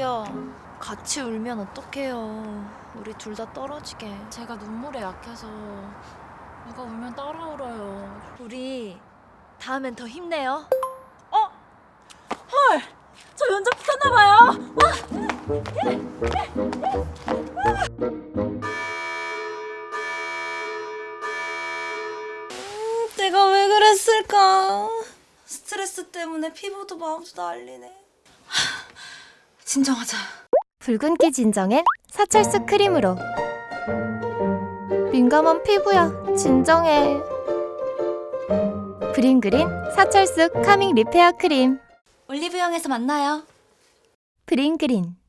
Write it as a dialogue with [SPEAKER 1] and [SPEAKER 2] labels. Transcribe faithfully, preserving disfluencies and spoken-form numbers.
[SPEAKER 1] 저기요, 같이 울면 어떡해요. 우리 둘 다 떨어지게. 제가 눈물에 약해서 누가 울면 따라 울어요. 우리 다음엔 더 힘내요.
[SPEAKER 2] 어? 헐! 저 면접 붙었나봐요. 음, 내가 왜 그랬을까? 스트레스 때문에 피부도 마음도 난리네. 하, 진정하자.
[SPEAKER 3] 붉은기 진정엔 사철수 크림으로. 민감한 피부야, 진정해. 브링그린 사철수 카밍 리페어 크림.
[SPEAKER 2] 올리브영에서 만나요.
[SPEAKER 3] 브링그린.